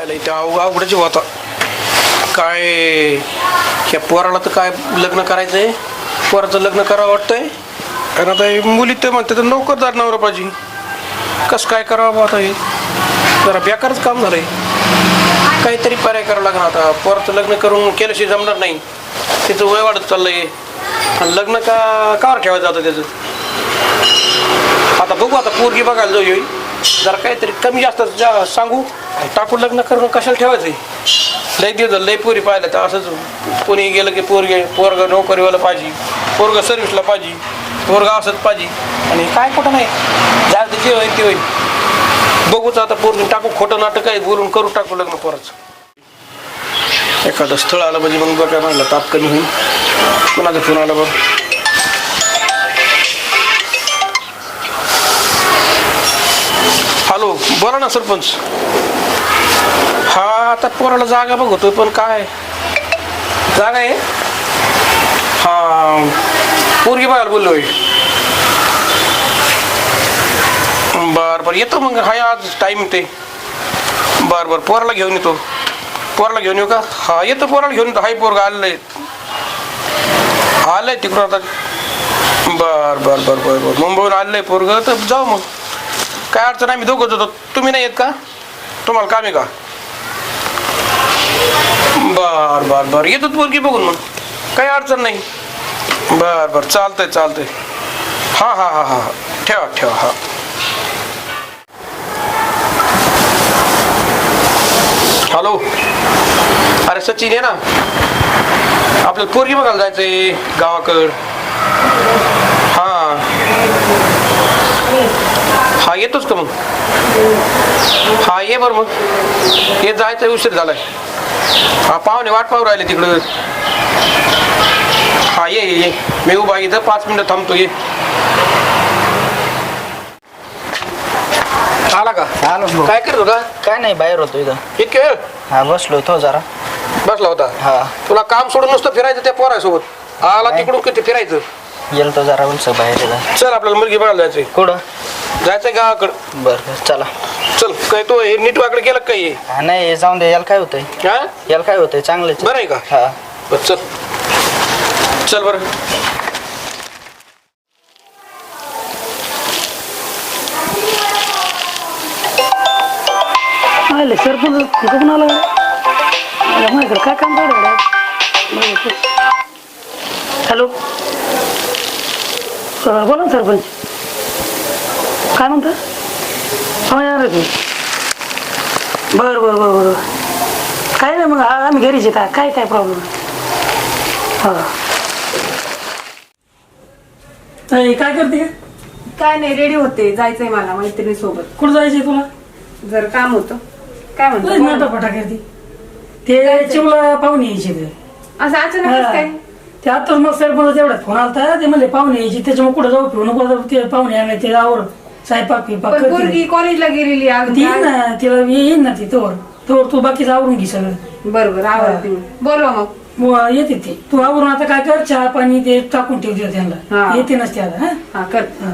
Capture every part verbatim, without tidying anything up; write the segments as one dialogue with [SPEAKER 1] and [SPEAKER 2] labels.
[SPEAKER 1] आयला इथे अवघडच होता काय ह्या पोराला तर काय लग्न करायचंय पोराचं लग्न करावं वाटतंय आणि आता मुली ते म्हणते तर नोकरदार नवरा पाहिजे कसं काय करावं आता हे जरा बेकारच काम झालंय काहीतरी पर्याय करावं लागणार आता पोराचं लग्न करून केल्याशिवाय जमणार नाही त्याचं वय वाढत चाललंय आणि लग्न का कावर ठेवायचं आता त्याचं आता बघू आता पोरगी बघायला जाऊ येईल जरा काहीतरी कमी जास्त जा सांगू टाकून लग्न करून कशाला ठेवायचंय लय दिवस लय पोरी पाहिलं तर असंच कोणी गेलं की पोरगे पोरग नोकरीवाला पाहिजे पोरग सर्व्हिसला पाहिजे पोरग असंच पाहिजे आणि काय कुठं नाही जास्त जे होईल ते होईल बघूच आता पोरगी टाकू खोटं नाटक आहे बोलून करू टाकू लग्न पोराचं एखादं स्थळ आलं म्हणजे मग बघा म्हणलं ताप कमी होईल कोणाचा फोन आला बघ हॅलो बोला ना सरपंच हा आता पोराला जागा बघतोय पण काय जागा आहे हा पोरगी बघायला बोललोय बर बर येतो मग हाय आज टाईम ते बर बर पोराला घेऊन येतो पोराला घेऊन येऊ का हा येतो पोराला घेऊन येतो हाय पोरगा आलेलं आलंय तिकडून आता बर बर बर बर बर मुंबईहून आलेलं आहे पोरग तर जाऊ मग काय अडचण नाही मी दोघंच होतो तुम्ही नाही येत का तुम्हाला काम आहे का बर बर बर येतो पोरगी बघून मग काही अडचण नाही बर बर चालतंय चालतंय हां हां हां हां ठेवा ठेवा हां हॅलो अरे सचिन आहे ना आपल्याला पोरगी बघायला जायचंय गावाकड हां हा येतोच का मग हा ये बरं मग ये जायचं उशीर झालाय हा पाहुणे वाट पाहू राहिले तिकडं हा ये ये मी उभा इथं पाच मिनिटं थांबतो ये आला का
[SPEAKER 2] आलो
[SPEAKER 1] काय करतो का
[SPEAKER 2] काय नाही बाहेर होतो इथं
[SPEAKER 1] इतके वेळ
[SPEAKER 2] हा बसलो होतो जरा
[SPEAKER 1] बसला होता
[SPEAKER 2] हा
[SPEAKER 1] तुला काम सोडून नुसतं फिरायचं त्या पोरासोबत आला तिकडून किती फिरायचं
[SPEAKER 2] गेलो तो जरा उलस बाहेर इथं
[SPEAKER 1] चल आपल्याला मुलगी बघायला जायचंय
[SPEAKER 2] कुठं
[SPEAKER 1] जायचंय गावाकडं
[SPEAKER 2] बरं बरं चला
[SPEAKER 1] चल काय तो हे नीट वाकडे गेलं काय हे
[SPEAKER 2] हा नाही जाऊन दे याला काय होतंय
[SPEAKER 1] हा
[SPEAKER 2] याला काय होतंय चांगलंच
[SPEAKER 1] बरं आहे का
[SPEAKER 2] हा
[SPEAKER 1] बरं चल चल बरं
[SPEAKER 3] आले सरपंच कुठून आला माझ्याकडे काय काम काढ हॅलो बोला ना सरपंच काय म्हणता हा येणार तुम्ही बरं बरं बरं बरं काय नाही मग आम्ही घरीच येतात काय काय प्रॉब्लेम हा काय करते
[SPEAKER 4] काय नाही रेडी होते जायचंय मला मैत्रिणी सोबत
[SPEAKER 3] कुठं जायचंय तुला
[SPEAKER 4] जर काम होतं काय म्हणतो
[SPEAKER 3] नाटाफटा करते ते चिमला पाहुणे यायचे ते
[SPEAKER 4] असं अचानक काय
[SPEAKER 3] ते आताच मग सरपंच एवढ्यात फोन आलता ते म्हणले पाहुणे यायचे त्याच्यामुळे कुठं जाऊ फिरू नको ते पाहुणे आणले ते आवड स्वयंपाक पिपाक
[SPEAKER 4] पण पोरगी कॉलेजला गेलेली
[SPEAKER 3] ती येईन ना तिला येईन ना ती तोवर तोवर तू बाकीचं आवरून घे सगळं
[SPEAKER 4] बरोबर आवडते बोलवा मग
[SPEAKER 3] मग येते ते तू आवरून आता काय कर चहा पाणी ते टाकून ठेवते त्यांना
[SPEAKER 4] हा.
[SPEAKER 3] येते नसते आता हा
[SPEAKER 4] हा कर
[SPEAKER 3] हा.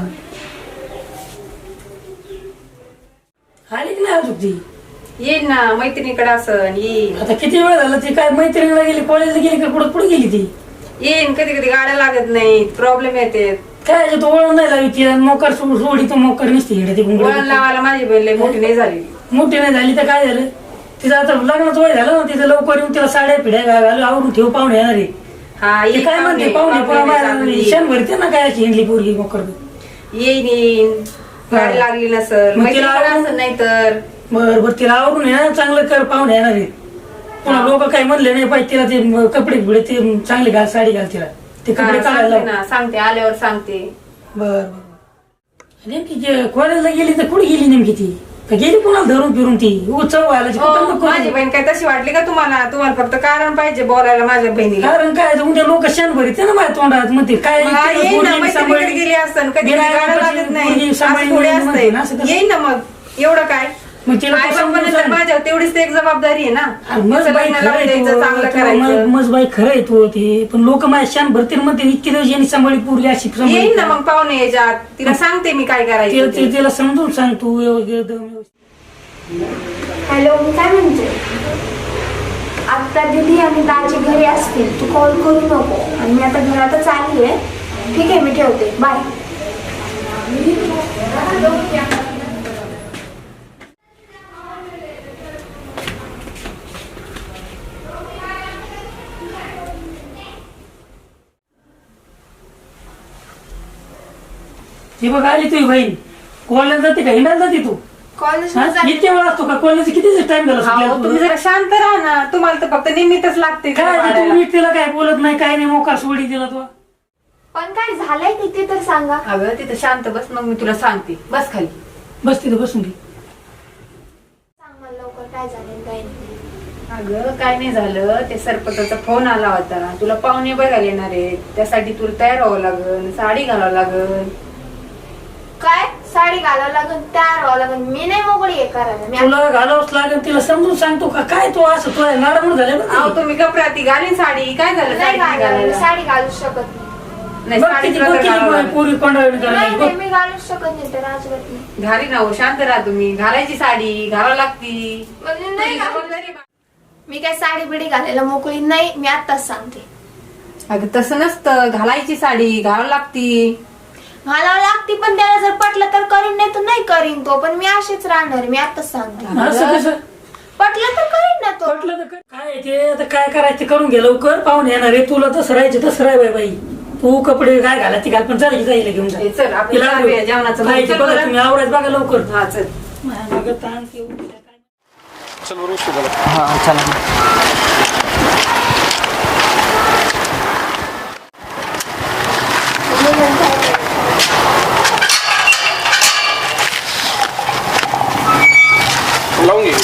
[SPEAKER 3] आली की नाही अजून ती
[SPEAKER 4] येईल ना मैत्रिणीकडे असं येईन
[SPEAKER 3] आता किती वेळ झाला ती काय मैत्रिणीला गेली कॉलेजला गेली का कुठं कुठे गेली ती
[SPEAKER 4] येईन कधी कधी गाड्या लागत नाही प्रॉब्लेम येते
[SPEAKER 3] काय तू वळण नाही लावी ती मोकर सोडी तर मोकर नसते इकडे
[SPEAKER 4] वळण
[SPEAKER 3] ती
[SPEAKER 4] लावायला माझी बहीण लई मोठी नाही झाली
[SPEAKER 3] मोठी नाही झाली तर काय झालं तिचं आता लग्नाचं वय झालं ना तिचं लवकर येऊन तिला साड्या पिढ्या घालू आवरून ठेव पाहुणे येणार आहे
[SPEAKER 4] हा
[SPEAKER 3] ते
[SPEAKER 4] येईन
[SPEAKER 3] काय म्हणते पाहुणे
[SPEAKER 4] पाहुणे
[SPEAKER 3] क्षण भरते ना काय हिंडली पोरगी मोकर
[SPEAKER 4] येईन येईन गाडी लागली नसल
[SPEAKER 3] मग तिला
[SPEAKER 4] मैत्रिणीकडे
[SPEAKER 3] आवरून-
[SPEAKER 4] असं नाही तर
[SPEAKER 3] बर बर तिला आवरून येणार चांगलं कर पाहुणे येणार आहे पुन्हा लोक काही म्हणले नाही पाहिजे तिला ते कपडे बिडे ते चांगले घाल साडी घाल तिला ते
[SPEAKER 4] हा,
[SPEAKER 3] कपडे काढायला
[SPEAKER 4] सांगते
[SPEAKER 3] लाव.
[SPEAKER 4] ना सांगते आल्यावर सांगते
[SPEAKER 3] बर बर नेमकी कॉलेजला गेली तर कुठे गेली नेमकी ती का गेली कुणाला धरून फिरून ती उत्सव व्हायला
[SPEAKER 4] हो, माझी बहीण काय तशी वाटली का तुम्हाला तुम्हाला फक्त कारण पाहिजे बोलायला माझ्या बहिणीला
[SPEAKER 3] कारण काय उद्या लोक क्षण भरीत ना माझ्या तोंडात म्हणते काय
[SPEAKER 4] मग हा, येईन ना मैत्रिणीकडे गेली असतं कधी गाड्या लागत नाही असं थोडी असतंय येईन ना मग एवढं काय
[SPEAKER 3] मग तिला
[SPEAKER 4] आई
[SPEAKER 3] कसं
[SPEAKER 4] बापाने तर माझ्यावर तेवढीच तर एक जबाबदारी आहे ना
[SPEAKER 3] मज
[SPEAKER 4] तिचं
[SPEAKER 3] बाई
[SPEAKER 4] लग्न
[SPEAKER 3] खरं
[SPEAKER 4] लावून द्यायचं, चांगलं करायचं
[SPEAKER 3] मज बाई खरं आहे तू ते पण लोक माझ्या शान भरतील म्हणते इतके दिवस यांनी सांभाळी पूर्वी अशी सांभाळी.
[SPEAKER 4] येईन ना मग पाहुणे याच्यात तिला सांगते मी काय
[SPEAKER 3] तिला
[SPEAKER 4] करायचं
[SPEAKER 3] ते-
[SPEAKER 4] ते.
[SPEAKER 3] तिला समजून सांग तू व्यवस्थित- एकदम व्यवस्थित.
[SPEAKER 5] हॅलो, मी काय म्हणते, आता दीदी आणि दाजी घरी असतील, तू कॉल करू नको. आणि मी आता घरातच आली आहे. ठीक आहे, मी ठेवते. बाय.
[SPEAKER 3] ती बघ आली तुझी बहीण. कॉलेज जाते का हिंडायला जाते तू?
[SPEAKER 5] कॉलेज
[SPEAKER 3] हा? इतके वेळ असतो का कॉलेज? किती टाइम झाला
[SPEAKER 4] अहो, तुम्ही
[SPEAKER 3] सुटल्या?
[SPEAKER 4] जरा शांत राहा ना. तुम्हाला तर फक्त निमित्तच लागते
[SPEAKER 3] काय
[SPEAKER 4] तिला
[SPEAKER 3] तू
[SPEAKER 4] पाडायला.
[SPEAKER 3] नीट तिला काय बोलत नाही, काय नाही, मोका सोडी दिला तू.
[SPEAKER 5] पण काय झालंय किती तर सांगा.
[SPEAKER 4] अगं तिथं शांत बस, मग मी तुला सांगते. बस खाली.
[SPEAKER 3] बस तिथे बसून घे.
[SPEAKER 5] सांग मला लवकर काय झालं काय नाही.
[SPEAKER 4] अगं काय नाही झालं, ते सरपंचाचा फोन आला होता. तुला पाहुणे बघायला येणार आहेत, त्यासाठी तुला तयार व्हावं लागल, साडी घालावं लागल.
[SPEAKER 5] काय साडी घालावं लागेल, तयार व्हावं लागेल. मी नाही मोकळी आहे करायला. मी
[SPEAKER 3] तुला घालावंच लागेल. तिला समजून सांगतो का काय तू असं तुला लाडमूड झाले बघ.
[SPEAKER 4] अहो तुम्ही गप्राती घालीन साडी. काय झालं
[SPEAKER 5] नाही
[SPEAKER 4] साडी
[SPEAKER 5] घालायला,
[SPEAKER 4] घालायला?
[SPEAKER 5] साडी घालू शकत नाही.
[SPEAKER 4] नाही
[SPEAKER 3] बघ
[SPEAKER 4] साडी
[SPEAKER 3] किती
[SPEAKER 4] तुला
[SPEAKER 3] बघ
[SPEAKER 4] तर
[SPEAKER 3] किती
[SPEAKER 4] घालावं लागल.
[SPEAKER 3] पोरी पंढरवणी
[SPEAKER 5] नाही
[SPEAKER 3] करायला
[SPEAKER 5] नाही, मी घालू शकत नाही तर अजिबात नाही.
[SPEAKER 4] घाली ना हो, शांत राहा तुम्ही. घालायची साडी घालावं लागती.
[SPEAKER 5] म्हणजे नाही घालू.
[SPEAKER 4] जबाबदारी बा-
[SPEAKER 5] मी काय साडी बिडी घालायला मोकळी नाही. मी आताच सांगते.
[SPEAKER 4] अगं तसं नसतं, घालायची साडी घालावं लागती.
[SPEAKER 5] घालावं लागते, पण त्याला जर पटलं तर करीन, नाही तर नाही करीन तो. पण मी अशीच राहणार. मी आताच सांगते.
[SPEAKER 3] असं कसं
[SPEAKER 5] पटलं तर करीन ना तो.
[SPEAKER 3] म्हटलं तर कर. काय आहे ते आता काय करायचं ते करून घे लवकर. पाहून येणार आहे तुला. तसं राहायचं तसं राह बाई बाई. तू कपडे काय घालायचे घाल, पण चालायची जाईल घेऊन जा.
[SPEAKER 4] हे चल, आपण
[SPEAKER 3] तिला
[SPEAKER 4] जाऊया जेवणाचं.
[SPEAKER 3] खायचं
[SPEAKER 4] चल
[SPEAKER 3] बघा
[SPEAKER 4] बरं.
[SPEAKER 3] तुम्ही, आवरायचं बघा लवकर.
[SPEAKER 4] हा चल.
[SPEAKER 3] माझ्या मागं ताण ते उद्या काय.
[SPEAKER 1] चल बरं उशीर झाला.
[SPEAKER 2] हा चला.
[SPEAKER 1] लावून घे.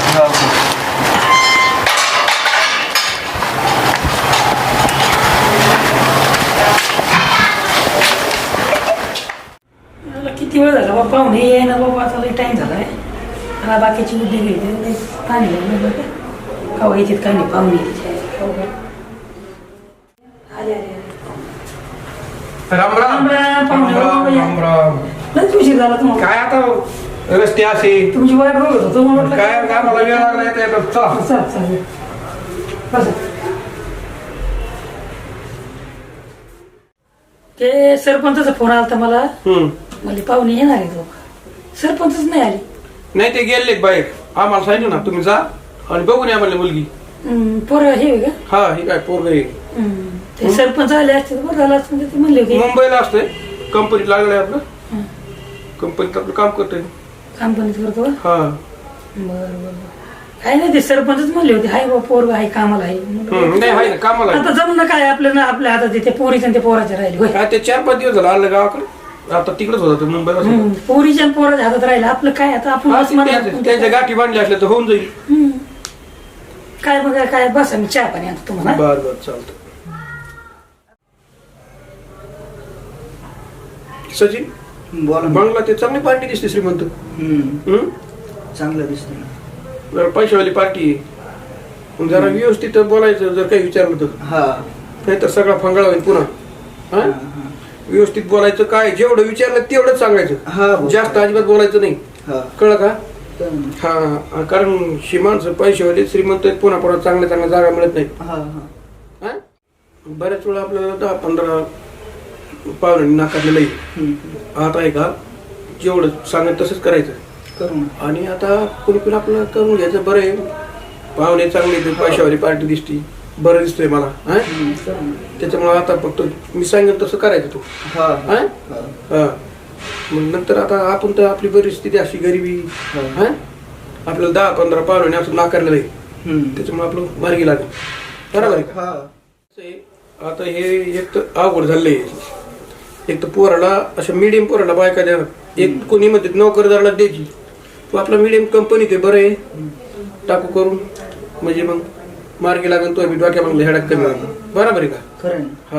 [SPEAKER 3] मला किती वेळ झाला बाबा, पाहुणे ये ना बाबा. आता लई टाइम झालाय. मला बाकीची बुद्धी घ्यायची पाणी कवा येतात काय नाही पाहुणे. आले आले
[SPEAKER 1] राम राम
[SPEAKER 3] राम राम, पाहुणे,
[SPEAKER 1] राम राम राम.
[SPEAKER 3] लयच उशीर झाला तुम्हाला.
[SPEAKER 1] काय आता रस्ते असे
[SPEAKER 3] तुमची वाट बघत होतो म्हटलं
[SPEAKER 1] काय काय मला वेळ लागला येता येता. चला
[SPEAKER 3] चाल चालेल. बसा. ते सरपंचाचा फोन आला तर मला.
[SPEAKER 1] हम्म.
[SPEAKER 3] म्हणजे पाहुणे येणार आहे लोक. सरपंचच नाही आले.
[SPEAKER 1] नाही ते गेले बाहेर. आम्हाला सांगितलं ना तुम्ही जा आणि बघून या म्हणले मुलगी.
[SPEAKER 3] हम्म, पोरं हे आहे का?
[SPEAKER 1] हा हे काय पोरग आहे.
[SPEAKER 3] हम्म. ते सरपंच आले असते तर बरं झालं असतं. ते म्हणले होते
[SPEAKER 1] मुंबईला असतंय. कंपनीत लागलंय आपलं. कंपनीत आपलं काम करतोय.
[SPEAKER 3] कंपनीत करतो का?
[SPEAKER 1] हा
[SPEAKER 3] बरं बरं बरं. काय नाही ते सरपंचच म्हणले होते हाय बा पोरग आहे कामाला आहे.
[SPEAKER 1] हम्म, नाही आहे ना कामाला आहे.
[SPEAKER 3] आता जमणं काय आपल्या ना आपल्या हातात ते पोरीच्या ते पोराच्या राहिले होय.
[SPEAKER 1] काय ते चार पाच दिवस झालं आलं गावाकडे. आता तिकडेच होता ते मुंबईला.
[SPEAKER 3] हम्म, पोरीच्या आणि पोराच्या हातात राहिलं आपलं काय आता आपण
[SPEAKER 1] हा,
[SPEAKER 3] बस
[SPEAKER 1] ते
[SPEAKER 3] म्हणा.
[SPEAKER 1] त्यांच्या त्यांच्या गाठी बांधल्या असल्या तर होऊन जाईल.
[SPEAKER 3] हम्म. काय बघा काय बसा मी चहा पाणी आणतो तुम्हाला.
[SPEAKER 1] बर बर चालतं. सचिन
[SPEAKER 2] बोला ना.
[SPEAKER 1] बंगला ते चांगली पार्टी दिसते श्रीमंत.
[SPEAKER 2] हम्म,
[SPEAKER 1] हम्म?
[SPEAKER 2] चांगलं दिसतंय ना.
[SPEAKER 1] जरा पैशावाली पार्टी आहे. मग जरा व्यवस्थित बोलायचं जर काही विचारलं तर.
[SPEAKER 2] हा
[SPEAKER 1] नाही तर सगळा फंगाळा होईल पुन्हा. हा?
[SPEAKER 2] हा, हा.
[SPEAKER 1] व्यवस्थित बोलायचं. काय जेवढं विचारलं तेवढंच सांगायचं.
[SPEAKER 2] हा, बोल.
[SPEAKER 1] जास्त अजिबात बोलायचं नाही.
[SPEAKER 2] हा
[SPEAKER 1] कळलं का?
[SPEAKER 2] चालेल.
[SPEAKER 1] हा हा. कारण श्रीमानचं पैशावाले श्रीमंत आहेत, पुन्हा पुन्हा चांगल्या चांगल्या जागा मिळत नाही.
[SPEAKER 2] हा हा
[SPEAKER 1] हा? बऱ्याच वेळा आपल्याला दहा पंधरा पाहुणे नाकारलेलं आहे.
[SPEAKER 2] हम्म,
[SPEAKER 1] आता आहे का जेवढं सांगत तसंच करायचं.
[SPEAKER 2] करू ना.
[SPEAKER 1] आणि आता कोणी पण आपलं करून घ्यायचं. बरं आहे पाहुणे चांगले ते पैशावाली पार्टी दिसती. बरं दिसतोय मला. हा
[SPEAKER 2] हम्म, करू ना.
[SPEAKER 1] त्याच्यामुळे आता फक्त मी सांगेन तसं करायचं तू.
[SPEAKER 2] हा
[SPEAKER 1] हा
[SPEAKER 2] हा.
[SPEAKER 1] हा मग नंतर आता आपण तर आपली परिस्थिती अशी गरिबी. हा आपल्याला दहा पंधरा पाहुणे असं नाकारलेलं आहे.
[SPEAKER 2] हम्म.
[SPEAKER 1] त्याच्यामुळे आपलं मार्गी लागेल. बरोबर आहे का?
[SPEAKER 2] हा
[SPEAKER 1] असं आहे, आता हे एक तर अवघड झालंय. एक तर पोराला अशा मिडियम पोराला बायका द्या. एक कोणी म्हणते नोकरदाराला द्यायची. तू आपला मिडियम कंपनीत आहे. बरं आहे टाकू करून म्हणजे मग मार्गी लागेल. तो मी डोक्या मागले हेडाक कमी लागेल. बरोबर आहे का?
[SPEAKER 2] खरं ना.
[SPEAKER 1] हा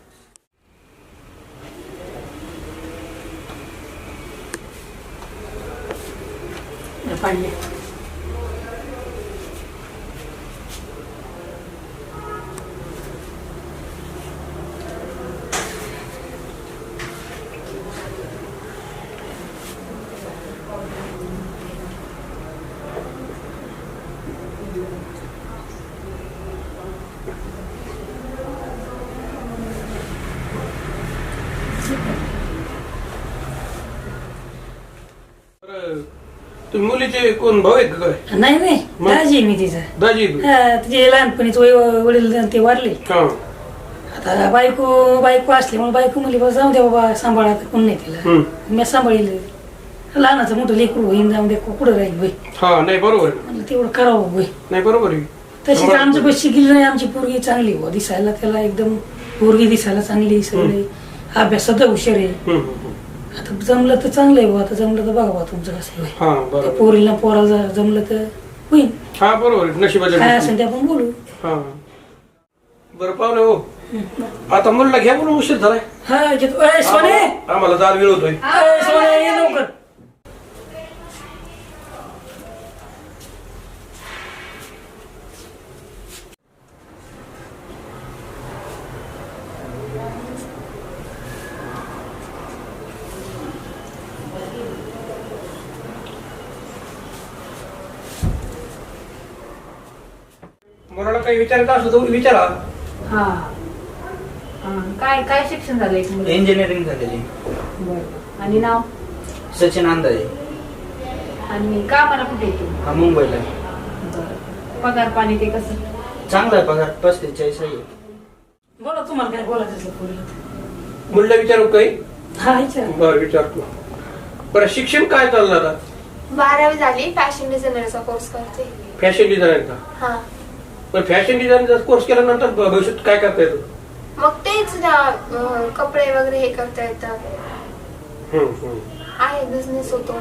[SPEAKER 3] पाणी
[SPEAKER 1] तुम्ही मुलीचे कोण भाऊ आहेत का काय?
[SPEAKER 3] नाही नाही
[SPEAKER 1] मग?
[SPEAKER 3] दाजी आहे मी तिचा
[SPEAKER 1] दाजी आहेत?
[SPEAKER 3] हा, तिचे लहानपणीच वय वडील ते वारले.
[SPEAKER 1] हा
[SPEAKER 3] आता बायको बायको असल्यामुळे बायको म्हणली बाबा जाऊ दे बाबा सांभाळा तर कोण नाही तिला.
[SPEAKER 1] हम्म.
[SPEAKER 3] मी सांभाळील लहानाचं मोठं लेकरू होईन जाऊन दे कुठं राहील होई
[SPEAKER 1] हा नाही बरोबर आहे.
[SPEAKER 3] म्हणलं तेवढं करावं होई.
[SPEAKER 1] नाही बरोबर आहे.
[SPEAKER 3] तशीच आमचं पैसे शिकली नाही आमची पोरगी चांगली हो दिसायला त्याला एकदम पोरगी दिसायला चांगली सगळी अभ्यासात हुशार आहे.
[SPEAKER 1] हम्म, हम्म.
[SPEAKER 3] आता जमलं तर चांगलं आहे बुवा आता जमलं तर बघा बा तुमचं कसं होईल.
[SPEAKER 1] हा
[SPEAKER 3] त्या
[SPEAKER 1] बरोबर.
[SPEAKER 3] पोरीला पोराला जमलं तर होईल
[SPEAKER 1] हा बरोबर आहे. नशिबाच्या
[SPEAKER 3] काय
[SPEAKER 1] गोष्टी.
[SPEAKER 3] असेल ते आपण बोलू.
[SPEAKER 1] हा बरं पाहुणे हो आता मुलीला घ्या म्हणून उशीर झालाय.
[SPEAKER 3] हा घेतो. ए, सोने
[SPEAKER 1] आम्हाला आम्हाला जाल वेळ होतोय.
[SPEAKER 3] ए, सोने ये लवकर.
[SPEAKER 1] मुलाला काही विचारायचं असलं तर विचारा.
[SPEAKER 4] हा हा. काय काय शिक्षण झालंय तुम्हाला?
[SPEAKER 6] इंजिनिअरिंग झालेली.
[SPEAKER 4] बरं. आणि नाव
[SPEAKER 6] सचिन अंदाजे.
[SPEAKER 4] आणि का मला कुठे येतो?
[SPEAKER 6] हा मुंबईला.
[SPEAKER 4] बरं. पगार पाणी ते कसं?
[SPEAKER 6] चांगला आहे पगार पस्तीस चाळीस आहे.
[SPEAKER 3] बोला तुम्हाला काय बोलायचं असेल पोरीला.
[SPEAKER 1] मुलीला विचारू काही?
[SPEAKER 3] हा विचार.
[SPEAKER 1] बरं विचारतो. बरं शिक्षण काय चाललं आता?
[SPEAKER 5] बारावी झाली फॅशन डिझायनरचा कोर्स करते.
[SPEAKER 1] फॅशन डिझायनर का?
[SPEAKER 5] हा
[SPEAKER 1] पण फॅशन डिझायनरचा कोर्स केल्यानंतर भविष्यात काय करता येतं?
[SPEAKER 5] मग तेच ना, अं, कपडे वगैरे हे करता येतात.
[SPEAKER 1] हम्म, हम्म.
[SPEAKER 5] आहे बिझनेस होतो.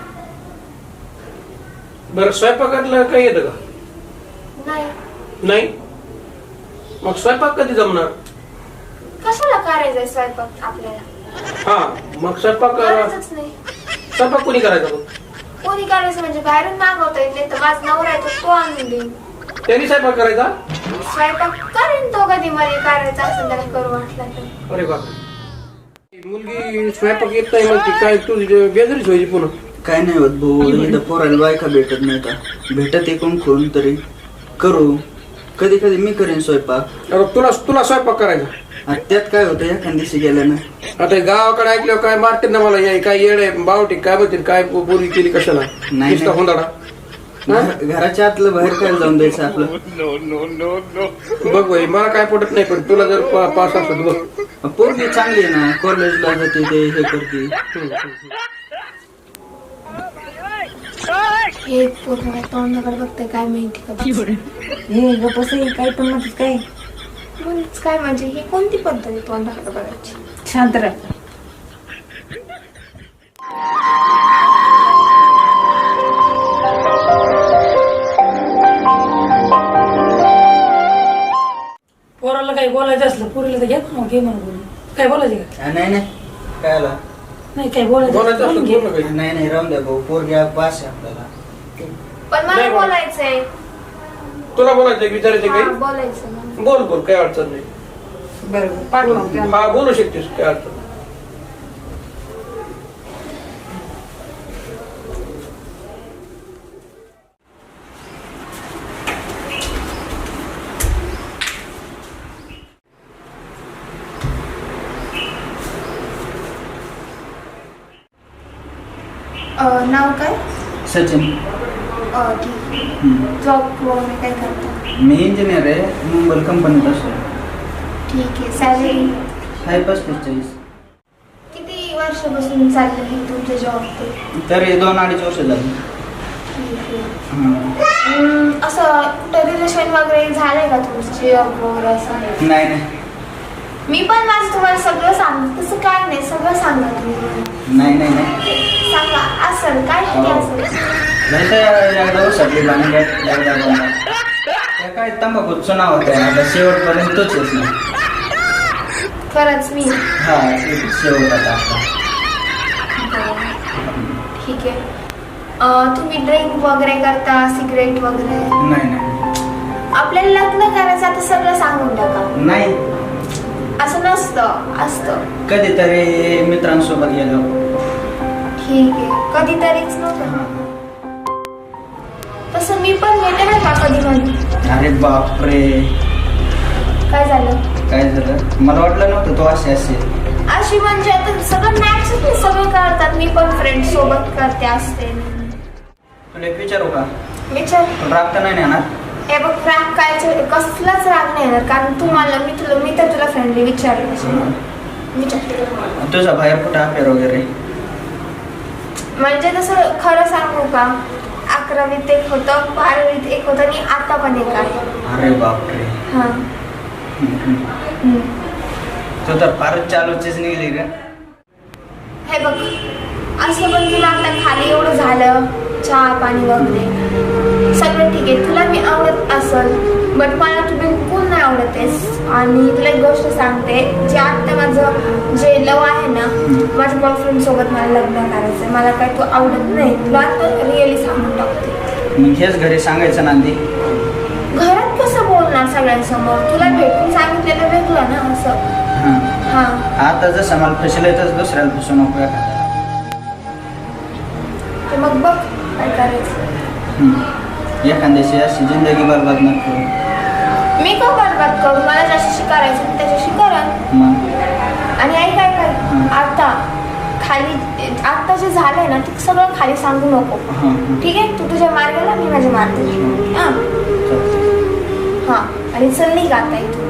[SPEAKER 1] बरं स्वयंपाकातलं काही येतं का?
[SPEAKER 5] नाही
[SPEAKER 1] नाही. मग स्वयंपाक कधी जमणार?
[SPEAKER 5] कशाला करायचंय स्वयंपाक आपल्याला?
[SPEAKER 1] हा मग स्वयंपाक
[SPEAKER 5] करायचंच नाही.
[SPEAKER 1] स्वयंपाक कोणी करायचा मग?
[SPEAKER 5] कोणी करायचं म्हणजे बाहेरून मागवता येत नाही तर माझा नवरा आहे तो तो आणून देईन.
[SPEAKER 1] त्यांनी स्वयंपाक करायचा?
[SPEAKER 5] स्वयंपाक करेन तो कधी मला करायचा असेल त्याला करू वाटला तर.
[SPEAKER 1] अरे बापरे. मुलगी स्वयंपाक येत नाही म्हणते काय तू बेजारीच व्हायची पुन्हा.
[SPEAKER 6] काय नाही होत भाऊ इथं पोराला बायका भेटत नाही का भेटत एकूण कोण तरी करू. कधी कधी मी करेन स्वयंपाक.
[SPEAKER 1] अरे तुला तुला स्वयंपाक करायचा?
[SPEAKER 6] आणि त्यात काय होतं एखाद दिवशी गेल्यानं
[SPEAKER 1] आता हे गावाकडे ऐकल्यावर काय मारते ना मला हे काय येड आहे बावटी काय म्हणते काय बोरी केली कशाला
[SPEAKER 6] नाही.
[SPEAKER 1] नुसता हुंदाडा.
[SPEAKER 6] घ- घराच्या आतलं बाहेर काय जाऊन द्यायचं आपलं.
[SPEAKER 1] बघ भाई मला काय पटत नाही पण तुला जर पा- पास असत बघ.
[SPEAKER 6] पोरगी चांगली आहे ना कॉलेजला जाते ते हे करते.
[SPEAKER 5] हे पूर्ण तोंडाकडे बघते काय माहिती का
[SPEAKER 7] हे गप्पस काय पण म्हणतात काय
[SPEAKER 5] बोलच काय म्हणजे ही कोणती पद्धत आहे तोंडाकडे बघायची?
[SPEAKER 7] शांत राहा.
[SPEAKER 3] पोराला काही बोलायचं असलं पोरीला तर घ्या ना घे म्हणून बोलून. काय बोलायचं का?
[SPEAKER 6] हा, नाही नाही काय आला
[SPEAKER 3] नाही काय बोलायचं
[SPEAKER 1] बोलायचं
[SPEAKER 3] असलं
[SPEAKER 1] असलं
[SPEAKER 3] बोलून
[SPEAKER 1] बोल
[SPEAKER 3] घे.
[SPEAKER 1] ना काही.
[SPEAKER 6] नाही नाही राहून द्या भाऊ पोरगी पास आहे आपल्याला.
[SPEAKER 5] पण मला
[SPEAKER 1] नाही बोल.
[SPEAKER 5] बोलायचंय.
[SPEAKER 1] तुला बोलायचं विचारायचं
[SPEAKER 5] हा,
[SPEAKER 1] काही?
[SPEAKER 5] बोलायचं मला.
[SPEAKER 1] बोल बोल काय अडचण नाही.
[SPEAKER 4] बरोबर पाठवते.
[SPEAKER 1] हा बोलू शकतेस काय अडचण नाही.
[SPEAKER 5] अं, नाव काय?
[SPEAKER 6] सचिन.
[SPEAKER 5] अं, ठीक आहे.
[SPEAKER 6] हम्म.
[SPEAKER 5] जॉब वगैरे काय करता?
[SPEAKER 6] मी इंजिनियर आहे मुंबई कंपनीत असतो.
[SPEAKER 5] ठीक आहे. सॅलरी
[SPEAKER 6] आहे पस्तीस चाळीस.
[SPEAKER 5] किती वर्षापासून चाललं हे तुमचं जॉब ते?
[SPEAKER 6] तरी दोन अडीच वर्ष झाली.
[SPEAKER 5] ठीक आहे.
[SPEAKER 6] हम्म.
[SPEAKER 5] हम्म, असं कुठं रिलेशन वगैरे झालंय का तुमचं जॉब वगैरे असं?
[SPEAKER 6] नाही नाही
[SPEAKER 5] मी पण माझं तुम्हाला सगळं सांग तसं काय नाही सगळं सांगा तुम्ही मला.
[SPEAKER 6] नाही नाही नाही
[SPEAKER 5] सांगा असेल काय किती असेल?
[SPEAKER 6] नाही तर एकदा उसटली भांडण एकदा भांडण. त्या काय तंबाखूचं नाव होतं आता शेवटपर्यंत तोच येत नाही.
[SPEAKER 5] खरंच मी
[SPEAKER 6] हा ते शेवट आता आपला.
[SPEAKER 5] ठीक आहे. अं, तुम्ही ड्रिंक वगैरे करता सिगरेट वगैरे?
[SPEAKER 6] नाही नाही
[SPEAKER 5] आपल्याला लग्न करायचं आता सगळं सांगून टाका.
[SPEAKER 6] नाही
[SPEAKER 5] असं नसतं असतं.
[SPEAKER 6] कधीतरी मित्रांसोबत गेलो.
[SPEAKER 5] ठीक आहे कधीतरीच नव्हतं.
[SPEAKER 6] हा.
[SPEAKER 5] तसं मी पण घेते ना का कधी कधी.
[SPEAKER 6] अरे बापरे
[SPEAKER 5] काय झालं?
[SPEAKER 6] काय झालं मला वाटलं नव्हतं तो असे असेल.
[SPEAKER 5] अशी म्हणजे आता सगळं मॅच सगळं करतात. मी पण फ्रेंड सोबत करते असते.
[SPEAKER 6] तुला एक विचारू का?
[SPEAKER 5] विचार.
[SPEAKER 6] तुला राग तर नाही ना येणार?
[SPEAKER 5] हे बघ राग काय कसलाच राग नाही येणार कारण तू मला मी तुला मी तर तुला फ्रेंडली विचारलं. विचार.
[SPEAKER 6] तुझा बाहेर कुठं अफेअर वगैरे?
[SPEAKER 5] म्हणजे तसं खरं सांगू का अकरावीत एक होतं बारावीत एक होतं आणि आता पण एक आहे.
[SPEAKER 6] अरे बापरे.
[SPEAKER 5] हा.
[SPEAKER 6] तू तर फारच चालूचीच निघली का?
[SPEAKER 5] हे बघ असं पण तुला आता खाली एवढं झालं चहा पाणी वगैरे सगळं ठीक आहे तुला मी आवडत असल बट मला तू बिलकुल नाही आवडत आहेस. आणि तुला एक गोष्ट सांगते जे आत्ता माझं जे लव आहे ना माझ्या बॉयफ्रेंड सोबत मला लग्न करायचं आहे. मला काय तू आवडत नाही तुला आता रिअली सांगून टाकते.
[SPEAKER 6] मग हेच घरी सांगायचं नांदी.
[SPEAKER 5] घरात कसं बोलणार सगळ्यांसमोर तुला भेटून सांगितलेलं वेगळं ना असं. हा
[SPEAKER 6] आता जसं मला फसलंय तसं दुसऱ्याला फसू नको एखाद्याला.
[SPEAKER 5] ते मग बघ काय करायचं.
[SPEAKER 6] एखाद्याशी अशी जिंदगी बरबाद नको.
[SPEAKER 5] मी का बरबाद करू मला ज्याच्याशी करायचं मी त्याच्याशी करा.
[SPEAKER 6] मग
[SPEAKER 5] आणि आई काय कर आता खाली आता जे झालंय ना ते सगळं खाली सांगू नको. ठीक आहे तू तुझ्या मार्गाला मी माझ्या मार्गाला. हा हा आणि चल नाही गाता इथून.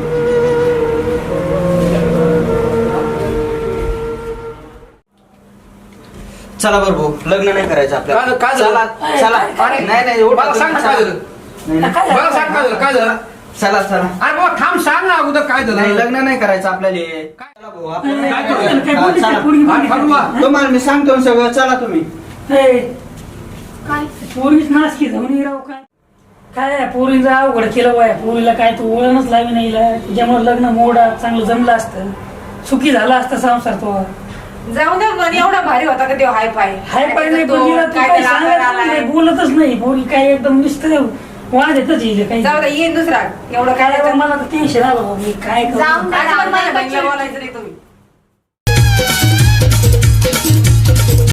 [SPEAKER 6] चला बरं भाऊ लग्न नाही करायचं आपल्याला.
[SPEAKER 1] काय- काय झालं?
[SPEAKER 6] चला चला.
[SPEAKER 1] अरे,
[SPEAKER 6] नाही नाही उठा
[SPEAKER 1] मला सांग ना
[SPEAKER 6] तुम्ही,
[SPEAKER 1] काय
[SPEAKER 6] चला.
[SPEAKER 1] झालं?
[SPEAKER 6] नाही, नाही.
[SPEAKER 3] काय
[SPEAKER 1] मला सांग काय झालं काय झालं
[SPEAKER 6] चला चला.
[SPEAKER 1] अरे बाबा थांब सांग ना अगोदर काय
[SPEAKER 6] नाही
[SPEAKER 1] झालं.
[SPEAKER 6] लग्न नाही करायचं आपल्याला. चला भाऊ आपण नाही
[SPEAKER 1] काय
[SPEAKER 6] करायचं.
[SPEAKER 1] झालं?
[SPEAKER 3] काय
[SPEAKER 6] हा,
[SPEAKER 3] पोरगी-
[SPEAKER 6] चला.
[SPEAKER 3] पोरगी-
[SPEAKER 1] हा, ठरवा.
[SPEAKER 6] तुम्हाला मी सांगतो ना सगळं चला तुम्ही.
[SPEAKER 3] ए,
[SPEAKER 5] काय
[SPEAKER 3] पोरीच नाच की जाऊन राव काय काय पोरीचं अवघड केलं बाय पोरीला काय तू वळणच लावी नाही त्याच्यामुळे लग्न मोडा चांगलं जमलं असतं सुखी झाला असता संसार तो.
[SPEAKER 7] जाऊ दे मन एवढा भारी होता का देव हाय पाय
[SPEAKER 3] हाय पाय नाही पण तिला तू
[SPEAKER 7] काय
[SPEAKER 3] काही
[SPEAKER 7] त्याला आकार
[SPEAKER 3] सांगायचं
[SPEAKER 7] आलाय.
[SPEAKER 3] नाही, बोलतच नाही पोरी काय एकदम नुसतं वाद येतच येईल काही.
[SPEAKER 7] जाऊ दे येईन दुसरा एवढं काय
[SPEAKER 3] काय मला तर टेन्शन आलं बाबा, मी काय करू?
[SPEAKER 5] जाऊन दे,
[SPEAKER 7] आज पण
[SPEAKER 5] जाऊन
[SPEAKER 7] माझ्या
[SPEAKER 5] दे,
[SPEAKER 7] बहिणीला
[SPEAKER 5] बच्चे.
[SPEAKER 7] बोलायचं नाही तुम्ही